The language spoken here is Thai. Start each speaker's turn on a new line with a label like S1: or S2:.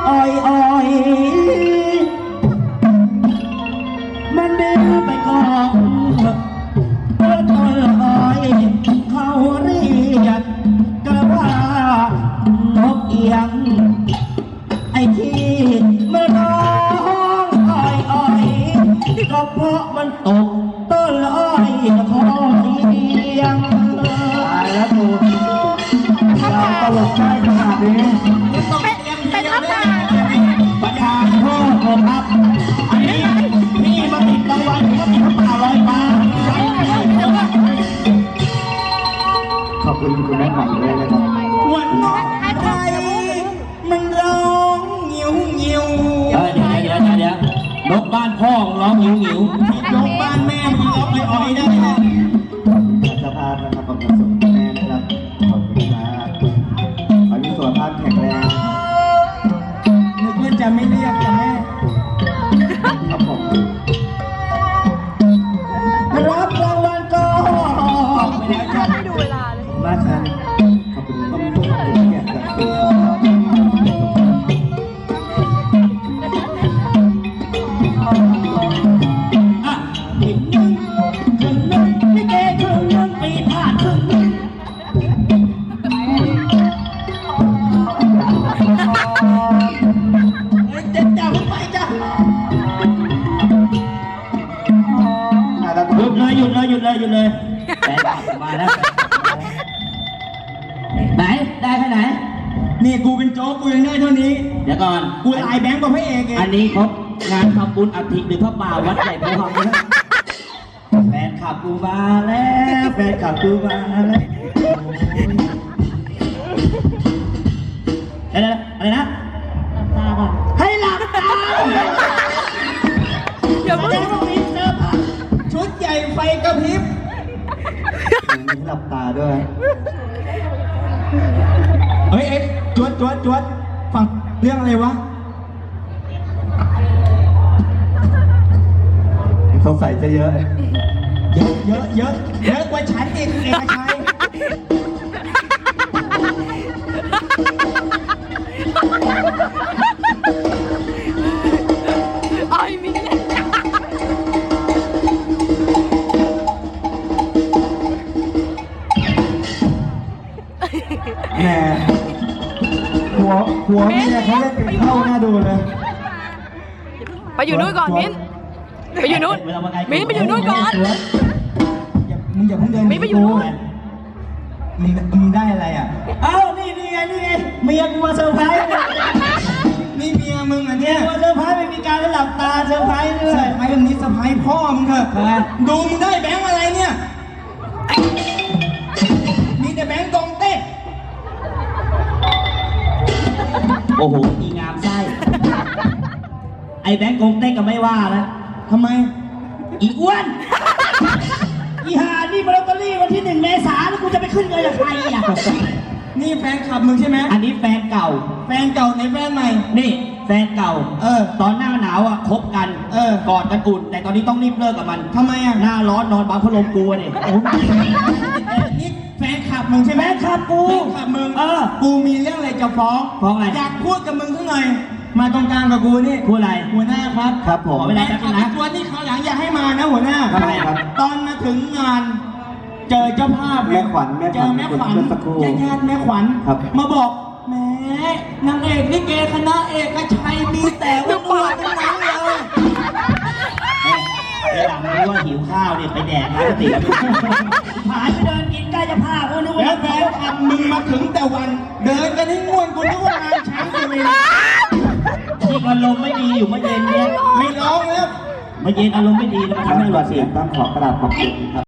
S1: อ้อยอ้อยมันดื้อไปก่อนต้นอ้อยเขาเรียกกระว่านกเอียงไอ้ที่มันร้องอ้อยอ้อยก็เพราะมันตกต้นอ้อยคอยเอียงตายแล้วกูเราตลกได้ขนาดนี้
S2: เป็นทัพตา
S1: ประธานโทษครับอันนี้พี่มาติดรางวัลก็มีพระป่าลอยฟ้าขอบคุณคุณแม่ใหม่ด้วยนะครับวันนกไทยมันร้องหิวหิวเดี๋ยวนกบ้านพ่อร้องหิวหิวนกบ้านแม่มันร้องอ้อยได้สภาพนะครับขอบคุณแม่นะครับขอบคุณครับขอให้สุขภาพแข็งแรงนึกว่าจะไม่เรียกแต่แม่ครับผมรับรางวัลก็ไม่ได้ครับ
S2: ไม่ดูเวลาเลย
S1: มาทันขอบคุณครับทุกคนอยากจะเป็นอีกหนึ่งครึ่งหนึ่งพี่เก๋ครึ่งหนึ่งปีผ่านครึ่งหนึ่งจะจับไปจ้ะหยุดเลยแฟนมาแล้วไหนได้แค่ไหนนี่กูเป็นโจ๊กกูยังได้เท่านี้เดี๋ยวก่อนกูลายแบงค์กว่าพระเอกเองอันนี้ครบงานทำบุญอัฐิหรือพระป่าวัดใหญ่ภูเขาแฟนขับกูมาแล้วแฟนขับกูมาแล้วอะไรนะให้หลับตา
S2: เดี๋ยวมึง
S1: ชุดใหญ่ไฟกระพริบมีหลับตาด้วยเฮ้ยจวดฟังเรื่องอะไรวะสงสัยจะเยอะกว่าฉันอีกเอกชัย
S2: อ้อยมี
S1: แหมหัวเมียเขาเล่นเป็นเข้าหน้าดูเลย
S2: ไปอยู่นู่นก่อนมิ้นไปอยู่นู่นมิ้นไปอยู่นู่นก่อน
S1: มึงอย่าเพิ่งเดิน
S2: มิ้นไปอยู่นู่น
S1: มึงได้อะไรอ่ะเอ้านี่ไงเมียกูมาเซอร์ไพรส์นี่เมียมึงอ่ะเนี่ยมาเซอร์ไพรส์ไม่มีการหลับตาเซอร์ไพรส์ด้วยเซอร์ไพรส์แบบนี้เซอร์ไพรส์พ่อมึงเถอะดูมึงได้แบงค์อะไรเนี่ยมีแต่แบงค์กองเต้โอ้โหอีงามไส้ไอ้แบงค์กงเต้ก็ไม่ว่าแล้วทำไมอีอ้วนอีหานี่ลอตเตอรี่วันที่1 เมษายนแล้วกูจะไปขึ้นเงินกับใครอ่ะนี่แฟนคลับมึงใช่ไหมอันนี้แฟนเก่าในแฟนใหม่นี่แฟนเก่าตอนหน้าหนาวอ่ะคบกันกอดกันอุ่นแต่ตอนนี้ต้องรีบเลิกกับมันทำไมอ่ะหน้าร้อนนอนบังพัดลมกูเนี่ยนี่แฟนคลับมึงใช่ไหมแฟนคลับกูแฟนคลับมึงกูมีเรื่องอะไรจะฟ้องอะไรอยากพูดกับมึงสักหน่อยมาตรงกลางกับกูนี่พูดอะไรหัวหน้าครับผมไม่ได้ครับนะตัวนี่เขาหลังอย่าให้มานะหัวหน้าตอนมาถึงงานเจอเจ้าภาพแม่ขวัญเจอแม่ขวัญญาติแม่ขวัญมาบอกแม่นางเอกลิเกคณะเอกชัยมีแต่ว่าอ้วนทั้งนั้นเลยไอ้หลังรู้ว่าหิวข้าวเนี่ยไปแดกร้านติ๋วหายไปเดินกินใกล้จะพากูนึกว่าแฟนคลับมึงมาถึงแต่วันเดินกันให้ง่วนกูนึกว่างานช้างเลยที่อารมณ์ไม่ดีอยู่เมื่อเย็นเนี่ยไม่ร้องแล้วเมื่อเย็นอารมณ์ไม่ดีแล้วมาทำให้หลอดเสียงต้องขอกระดาษขอบคุณครับ